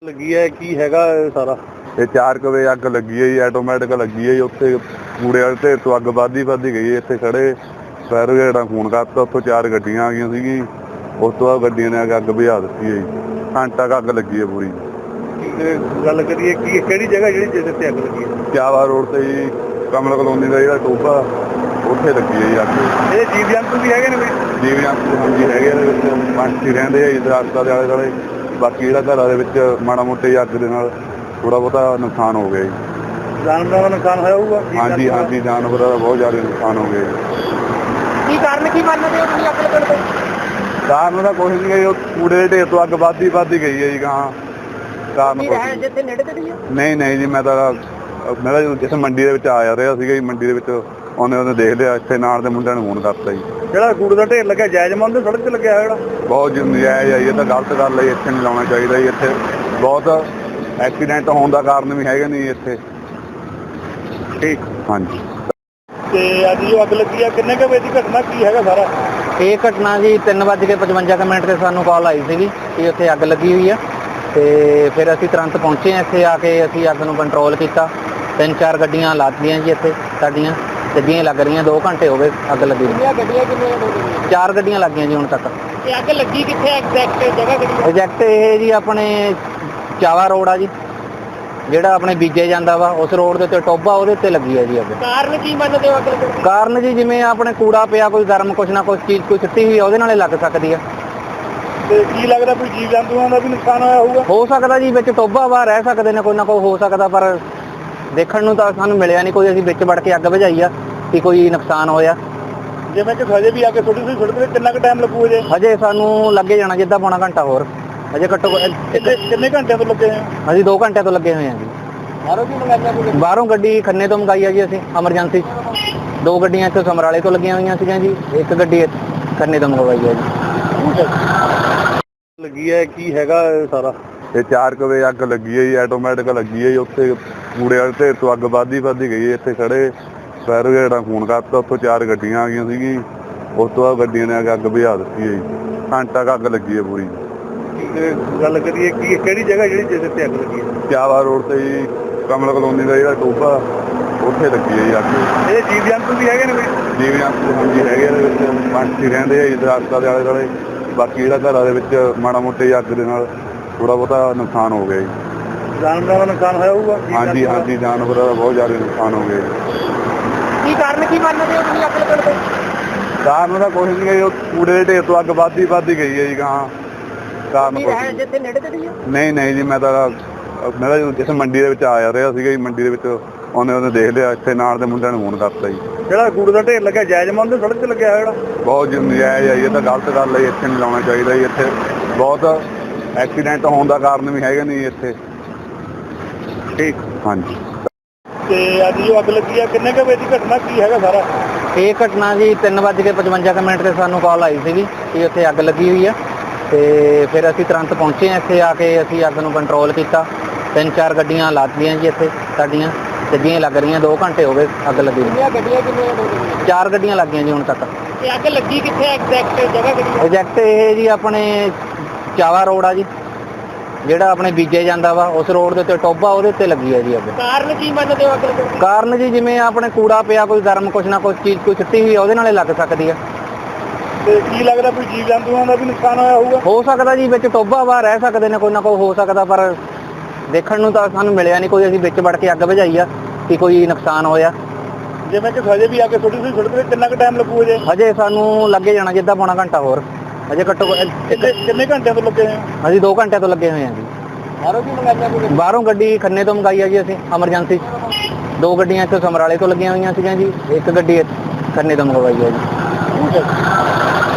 ਲੱਗੀ ਹੈ ਕੀ ਹੈਗਾ ਇਹ ਸਾਰਾ? ਇਹ 4 ਵਜੇ ਅੱਗ ਲੱਗੀ ਹੈ ਜੀ, ਆਟੋਮੈਟਿਕ ਲੱਗੀ ਹੈ ਜੀ। ਉੱਥੇ ਕੂੜੇ ਵਾਲੇ ਢੇਰ ਤੋਂ ਅੱਗ ਵੱਧਦੀ ਗਈ ਹੈ। ਇੱਥੇ ਖੜੇ ਫਾਇਰ ਬ੍ਰਿਗੇਡ ਫੋਨ ਕਰਤਾ, ਉੱਥੋਂ 4 ਗੱਡੀਆਂ ਆ ਗਈਆਂ ਸੀਗੀ। ਉਸ ਤੋਂ ਬਾਅਦ ਗੱਡੀਆਂ ਨੇ ਆ ਕੇ ਅੱਗ ਬੁਝਾ ਦਿੱਤੀ ਹੈ ਜੀ। ਘੰਟਾ ਕੁ ਅੱਗ ਲੱਗੀ ਹੈ ਪੂਰੀ। ਤੇ ਗੱਲ ਕਰੀਏ ਕੀ ਕਿਹੜੀ ਜਗ੍ਹਾ ਜਿਸ ਤੇ ਅੱਗ ਲੱਗੀ ਹੈ? ਚਾਵਾ ਰੋਡ ਤੇ ਜੀ, ਕਮਲ ਕਲੋਨੀ ਦਾ ਜਿਹੜਾ ਟੋਭਾ ਉੱਥੇ ਲੱਗੀ ਹੈ ਜੀ ਅੱਗ। ਇਹ ਜੀਵ ਜੰਤੂ ਵੀ ਹੈਗੇ ਨੇ ਕੋਈ? ਜੀਵ ਜੰਤੂ ਹਾਂਜੀ ਹੈਗੇ ਇਹਦੇ ਵਿੱਚ, ਪੰਛੀ ਰਹਿੰਦੇ ਆ ਜੀ ਦਰਖਤਾਂ ਦੇ ਆਲੇ ਦੁਆਲੇ। ਬਾਕੀ ਜਿਹੜਾ ਘਰਾਂ ਦੇ ਵਿੱਚ ਮਾੜਾ ਮੋਟੇ ਅੱਗ ਦੇ ਨਾਲ ਥੋੜਾ ਬਹੁਤਾ ਨੁਕਸਾਨ ਹੋ ਗਿਆ ਜੀ। ਜਾਨਵਰਾਂ ਦਾ ਨੁਕਸਾਨ ਹੋਇਆ ਹੋਊਗਾ? ਹਾਂਜੀ ਹਾਂਜੀ, ਜਾਨਵਰਾਂ ਦਾ ਬਹੁਤ ਜ਼ਿਆਦਾ ਨੁਕਸਾਨ ਹੋ ਗਿਆ ਜੀ। ਕੀ ਕਾਰਨ ਕੀ ਮੰਨਦੇ ਹੋ ਤੁਸੀਂ ਅੱਗ ਲੱਗਣ ਦੇ? ਕਾਰਨ ਤਾਂ ਕੁਛ ਨਹੀਂ ਹੈ ਜੀ, ਉਹ ਕੂੜੇ ਦੇ ਢੇਰ ਤੋਂ ਅੱਗ ਵੱਧਦੀ ਗਈ ਹੈ ਜੀ। ਗਾਹਾਂ ਕਾਰਨ ਜਿੱਥੇ ਨੇੜੇ ਤੇ ਨਹੀਂ ਨਹੀਂ ਜੀ, ਮੈਂ ਤਾਂ ਜਿਸ ਮੰਡੀ ਦੇ ਵਿੱਚ ਆ ਰਿਹਾ ਸੀਗਾ ਜੀ। ਮੰਡੀ ਦੇ ਵਿੱਚ ਉਹਨੇ ਦੇਖ ਲਿਆ, ਇੱਥੇ ਨਾਲ ਦੇ ਮੁੰਡਿਆਂ ਨੂੰ ਫੋਨ ਕਰਤਾ ਜੀ। ਜਿਹੜਾ ਕੂੜੇ ਦਾ ਢੇਰ ਲੱਗਿਆ ਜਾਇਜ਼ ਮੰਨਦੇ? ਸੜਕ ਤੇ ਲੱਗਿਆ ਹੋਇਆ ਜਿਹੜਾ ਬਹੁਤ ਨਜਾਇਜ਼ ਹੈ ਜੀ, ਇਹ ਤਾਂ ਗਲਤ ਗੱਲ ਹੈ। ਇੱਥੇ ਨਹੀਂ ਲਾਉਣਾ ਚਾਹੀਦਾ ਜੀ। ਇੱਥੇ ਬਹੁਤ ਐਕਸੀਡੈਂਟ ਹੋਣ ਦਾ ਕਾਰਨ ਵੀ ਹੈਗੇ ਨਹੀਂ ਇੱਥੇ। ਠੀਕ ਹਾਂਜੀ। ਤੇ ਅੱਜ ਜੋ ਅੱਗ ਲੱਗੀ ਆ ਕਿੰਨੇ ਕੁ ਵਜੇ ਦੀ ਘਟਨਾ ਕੀ ਹੈਗਾ ਸਾਰਾ? ਇਹ ਘਟਨਾ ਜੀ 3:55 ਤੇ ਸਾਨੂੰ ਕਾਲ ਆਈ ਸੀਗੀ ਕਿ ਉੱਥੇ ਅੱਗ ਲੱਗੀ ਹੋਈ ਆ। ਤੇ ਫਿਰ ਅਸੀਂ ਤੁਰੰਤ ਪਹੁੰਚੇ ਇੱਥੇ। ਆ ਕੇ ਅਸੀਂ ਅੱਗ ਨੂੰ ਕੰਟਰੋਲ ਕੀਤਾ। 3-4 ਗੱਡੀਆਂ ਲਾਤੀਆਂ ਜੀ ਇੱਥੇ ਸਾਡੀਆਂ, ਗੱਡੀਆਂ ਲੱਗ ਰਹੀਆਂ। 2 ਘੰਟੇ ਹੋ ਗਏ ਅੱਗ ਲੱਗੀ ਨੂੰ। ਗੱਡੀਆਂ ਕਿੰਨੀਆਂ? 4 ਗੱਡੀਆਂ ਲੱਗ ਗਈਆਂ ਜੀ ਹੁਣ ਤੱਕ। ਇਹ ਅੱਗ ਲੱਗੀ ਕਿੱਥੇ ਐਗਜ਼ੈਕਟ ਜਗ੍ਹਾ ਕਿਹੜੀ? ਐਗਜ਼ੈਕਟ ਇਹ ਜੀ ਆਪਣੇ ਚਾਵਾ ਰੋਡ ਆ ਜੀ, ਜਿਹੜਾ ਆਪਣੇ ਬੀਜੇ ਜਾਂਦਾ ਵਾ ਉਸ ਰੋਡ ਦੇ ਉੱਤੇ ਟੋਭਾ, ਉਹਦੇ ਉੱਤੇ ਲੱਗੀ ਹੈ ਜੀ ਅੱਗ। ਕਾਰਨ ਕੀ ਮੰਨਦੇ ਹੋ ਅੱਗ ਲੱਗਣ ਦਾ? ਕਾਰਨ ਜੀ ਜਿਵੇਂ ਆਪਣੇ ਕੂੜਾ ਪਿਆ, ਕੋਈ ਗਰਮ ਕੁਛ ਨਾ ਕੁਛ ਚੀਜ਼ ਕੋਈ ਸੁੱਟੀ ਹੋਈ ਆ, ਉਹਦੇ ਨਾਲੇ ਲੱਗ ਸਕਦੀ ਆ। ਤੇ ਕੀ ਲੱਗਦਾ ਕੋਈ ਜੀਵ ਜੰਤੂਆਂ ਦਾ ਵੀ ਨੁਕਸਾਨ ਹੋਇਆ ਹੋਊਗਾ? ਹੋ ਸਕਦਾ ਜੀ, ਵਿੱਚ ਟੋਭਾ ਵਾ, ਰਹਿ ਸਕਦੇ ਨੇ, ਕੋਈ ਨਾ ਕੋਈ ਹੋ ਸਕਦਾ। ਪਰ ਦੇਖਣ ਨੂੰ ਤਾਂ ਸਾਨੂੰ ਮਿਲਿਆ ਨਹੀਂ ਕੋਈ। ਅਸੀਂ ਵਿੱਚ ਵੜ ਕੇ ਅੱਗ ਬੁਝਾਈ ਆ ਕਿ ਕੋਈ ਨੁਕਸਾਨ ਹੋਇਆ। ਜਿਵੇਂ ਕਿ ਹਜੇ ਵੀ ਆ ਕੇ ਛੋਟੀ ਸੜਕ ਤੇ ਕਿੰਨਾ ਕੁ ਟਾਈਮ ਲੱਗੂ ਜੇ? ਹਜੇ ਸਾਨੂੰ ਲੱਗੇ ਜਾਣਾ ਜਿੱਦਾਂ ਪੌਣਾ ਘੰਟਾ ਹੋਰ। ਹਜੇ ਘੱਟੋ ਕਿੰਨੇ ਘੰਟਿਆਂ ਤੋਂ ਲੱਗੇ ਹੋਏ? ਅਸੀਂ 2 ਘੰਟਿਆਂ ਤੋਂ ਲੱਗੇ ਹੋਏ ਹਾਂ ਜੀ। ਬਾਹਰੋਂ ਕੀ ਮੰਗਾਈਆਂ ਕੋਈ? ਬਾਹਰੋਂ ਗੱਡੀ ਖੰਨੇ ਤੋਂ ਮੰਗਾਈ ਆ ਜੀ ਅਸੀਂ ਐਮਰਜੈਂਸੀ 2 ਗੱਡੀਆਂ ਇੱਥੇ ਸਮਰਾਲੇ ਤੋਂ ਲੱਗੀਆਂ ਹੋਈਆਂ ਸੀਗੀਆਂ ਜੀ। 1 ਗੱਡੀ ਖੰਨੇ ਤੋਂ ਮੰਗਵਾਈ ਹੈ ਜੀ। ਲੱਗੀ ਹੈ ਕੀ ਹੈਗਾ ਇਹ ਸਾਰਾ? ਇਹ 4 ਵਜੇ ਅੱਗ ਲੱਗੀ ਹੈ ਜੀ, ਆਟੋਮੈਟਿਕ ਲੱਗੀ ਹੈ ਜੀ। ਉੱਥੇ ਕੂੜੇ ਵਾਲੇ ਢੇਰ ਤੋਂ ਅੱਗ ਵੱਧਦੀ ਗਈ ਹੈ। ਇੱਥੇ ਖੜੇ ਫਾਇਰ ਬ੍ਰਿਗੇਡ ਫੋਨ ਕਰਤਾ, ਉੱਥੋਂ 4 ਗੱਡੀਆਂ ਆ ਗਈਆਂ ਸੀਗੀ। ਉਸ ਤੋਂ ਬਾਅਦ ਗੱਡੀਆਂ ਨੇ ਆ ਕੇ ਅੱਗ ਬੁਝਾ ਦਿੱਤੀ ਹੈ ਜੀ। ਘੰਟਾ ਕੁ ਅੱਗ ਲੱਗੀ ਹੈ ਪੂਰੀ। ਤੇ ਗੱਲ ਕਰੀਏ ਕੀ ਕਿਹੜੀ ਜਗ੍ਹਾ ਜਿਸ ਤੇ ਅੱਗ ਲੱਗੀ ਹੈ? ਚਾਵਾ ਰੋਡ ਤੇ ਜੀ, ਕਮਲ ਕਲੋਨੀ ਦਾ ਜਿਹੜਾ ਟੋਭਾ ਉੱਥੇ ਲੱਗੀ ਹੈ ਜੀ ਅੱਗ। ਇਹ ਜੀਵ ਜੰਤੂ ਵੀ ਹੈਗੇ ਨੇ ਕੋਈ? ਜੀਵ ਜੰਤੂ ਹਾਂਜੀ ਹੈਗੇ ਇਹਦੇ ਵਿੱਚ, ਪੰਛੀ ਰਹਿੰਦੇ ਆ ਜੀ ਦਰਖਤਾਂ ਦੇ ਆਲੇ ਦੁਆਲੇ। ਬਾਕੀ ਜਿਹੜਾ ਘਰਾਂ ਦੇ ਵਿੱਚ ਮਾੜਾ ਮੋਟੇ ਅੱਗ ਦੇ ਨਾਲ ਥੋੜਾ ਬਹੁਤਾ ਨੁਕਸਾਨ ਹੋ ਗਿਆ ਜੀ। ਜਾਨਵਰਾਂ ਦਾ ਨੁਕਸਾਨ ਹੋਇਆ ਹੋਊਗਾ? ਹਾਂਜੀ ਹਾਂਜੀ, ਜਾਨਵਰਾਂ ਦਾ ਬਹੁਤ ਜ਼ਿਆਦਾ ਨੁਕਸਾਨ ਹੋ ਗਿਆ ਜੀ। ਕੀ ਕਾਰਨ ਕੀ ਮੰਨਦੇ ਹੋ ਤੁਸੀਂ ਅੱਗ ਲੱਗਣ ਦੇ? ਕਾਰਨ ਤਾਂ ਕੁਛ ਨਹੀਂ ਹੈ ਜੀ, ਉਹ ਕੂੜੇ ਦੇ ਢੇਰ ਤੋਂ ਅੱਗ ਵੱਧਦੀ ਗਈ ਹੈ ਜੀ। ਗਾਹਾਂ ਕਾਰਨ ਜਿੱਥੇ ਨੇੜੇ ਤੇ ਨਹੀਂ ਨਹੀਂ ਜੀ, ਮੈਂ ਤਾਂ ਜਿਸ ਮੰਡੀ ਦੇ ਵਿੱਚ ਆ ਰਿਹਾ ਸੀਗਾ ਜੀ। ਮੰਡੀ ਦੇ ਵਿੱਚ ਉਹਨੇ ਦੇਖ ਲਿਆ, ਇੱਥੇ ਨਾਲ ਦੇ ਮੁੰਡਿਆਂ ਨੂੰ ਫੋਨ ਕਰਤਾ ਜੀ। ਜਿਹੜਾ ਕੂੜੇ ਦਾ ਢੇਰ ਲੱਗਿਆ ਜਾਇਜ਼ ਮੰਨਦੇ? ਸੜਕ ਤੇ ਲੱਗਿਆ ਹੋਇਆ ਜਿਹੜਾ ਬਹੁਤ ਨਜਾਇਜ਼ ਹੈ ਜੀ, ਇਹ ਤਾਂ ਗਲਤ ਗੱਲ ਹੈ। ਇੱਥੇ ਨਹੀਂ ਲਾਉਣਾ ਚਾਹੀਦਾ ਜੀ। ਇੱਥੇ ਬਹੁਤ ਐਕਸੀਡੈਂਟ ਹੋਣ ਦਾ ਕਾਰਨ ਵੀ ਹੈਗੇ ਨਹੀਂ ਇੱਥੇ। ਠੀਕ ਹਾਂਜੀ। ਤੇ ਅੱਜ ਜੋ ਅੱਗ ਲੱਗੀ ਆ ਕਿੰਨੇ ਕੁ ਵਜੇ ਦੀ ਘਟਨਾ ਕੀ ਹੈਗਾ ਸਾਰਾ? ਇਹ ਘਟਨਾ ਜੀ 3:55 ਤੇ ਸਾਨੂੰ ਕਾਲ ਆਈ ਸੀਗੀ ਕਿ ਉੱਥੇ ਅੱਗ ਲੱਗੀ ਹੋਈ ਆ। ਤੇ ਫਿਰ ਅਸੀਂ ਤੁਰੰਤ ਪਹੁੰਚੇ ਇੱਥੇ। ਆ ਕੇ ਅਸੀਂ ਅੱਗ ਨੂੰ ਕੰਟਰੋਲ ਕੀਤਾ। 3-4 ਗੱਡੀਆਂ ਲਾਤੀਆਂ ਜੀ ਇੱਥੇ ਸਾਡੀਆਂ, ਗੱਡੀਆਂ ਲੱਗ ਰਹੀਆਂ। 2 ਘੰਟੇ ਹੋ ਗਏ ਅੱਗ ਲੱਗੀ ਨੂੰ। ਗੱਡੀਆਂ ਕਿੰਨੀਆਂ? 4 ਗੱਡੀਆਂ ਲੱਗ ਗਈਆਂ ਜੀ ਹੁਣ ਤੱਕ। ਇਹ ਅੱਗ ਲੱਗੀ ਕਿੱਥੇ ਐਗਜ਼ੈਕਟ ਜਗ੍ਹਾ ਕਿਹੜੀ? ਐਗਜ਼ੈਕਟ ਇਹ ਜੀ ਆਪਣੇ ਚਾਵਾ ਰੋਡ ਆ ਜੀ, ਜਿਹੜਾ ਆਪਣੇ ਬੀਜੇ ਜਾਂਦਾ ਵਾ ਉਸ ਰੋਡ ਦੇ ਉੱਤੇ ਟੋਭਾ, ਉਹਦੇ ਉੱਤੇ ਲੱਗੀ ਹੈ ਜੀ ਅੱਗ। ਕਾਰਨ ਕੀ ਮੰਨਦੇ ਹੋ ਅੱਗ ਲੱਗਣ ਦਾ? ਕਾਰਨ ਜੀ ਜਿਵੇਂ ਆਪਣੇ ਕੂੜਾ ਪਿਆ, ਕੋਈ ਗਰਮ ਕੁਛ ਨਾ ਕੁਛ ਚੀਜ਼ ਕੋਈ ਸੁੱਟੀ ਹੋਈ ਆ, ਉਹਦੇ ਨਾਲੇ ਲੱਗ ਸਕਦੀ ਆ। ਤੇ ਕੀ ਲੱਗਦਾ ਕੋਈ ਜੀਵ ਜੰਤੂਆਂ ਦਾ ਵੀ ਨੁਕਸਾਨ ਹੋਇਆ ਹੋਊਗਾ? ਹੋ ਸਕਦਾ ਜੀ, ਵਿੱਚ ਟੋਭਾ ਵਾ, ਰਹਿ ਸਕਦੇ ਨੇ, ਕੋਈ ਨਾ ਕੋਈ ਹੋ ਸਕਦਾ। ਪਰ ਦੇਖਣ ਨੂੰ ਤਾਂ ਸਾਨੂੰ ਮਿਲਿਆ ਨਹੀਂ ਕੋਈ। ਅਸੀਂ ਵਿੱਚ ਵੜ ਕੇ ਅੱਗ ਬੁਝਾਈ ਆ ਕਿ ਕੋਈ ਨੁਕਸਾਨ ਹੋਇਆ। ਜਿਵੇਂ ਕਿ ਹਜੇ ਵੀ ਆ ਕੇ ਛੋਟੀ ਸੜਕ ਤੇ ਕਿੰਨਾ ਕੁ ਟਾਈਮ ਲੱਗੂ ਜੇ? ਹਜੇ ਸਾਨੂੰ ਲੱਗੇ ਜਾਣਾ ਜਿੱਦਾਂ ਪੌਣਾ ਘੰਟਾ ਹੋਰ। ਹਜੇ ਘੱਟੋ ਕਿੰਨੇ ਘੰਟਿਆਂ ਤੋਂ ਲੱਗੇ ਹੋਏ? ਅਸੀਂ 2 ਘੰਟਿਆਂ ਤੋਂ ਲੱਗੇ ਹੋਏ ਹਾਂ ਜੀ। ਬਾਹਰੋਂ ਕੀ ਮੰਗਾਈਆਂ ਕੋਈ? ਬਾਹਰੋਂ ਗੱਡੀ ਖੰਨੇ ਤੋਂ ਮੰਗਾਈ ਆ ਜੀ ਅਸੀਂ ਐਮਰਜੈਂਸੀ 2 ਗੱਡੀਆਂ ਇੱਥੇ ਸਮਰਾਲੇ ਤੋਂ ਲੱਗੀਆਂ ਹੋਈਆਂ ਸੀਗੀਆਂ ਜੀ। 1 ਗੱਡੀ ਖੰਨੇ ਤੋਂ ਮੰਗਵਾਈ ਹੈ ਜੀ।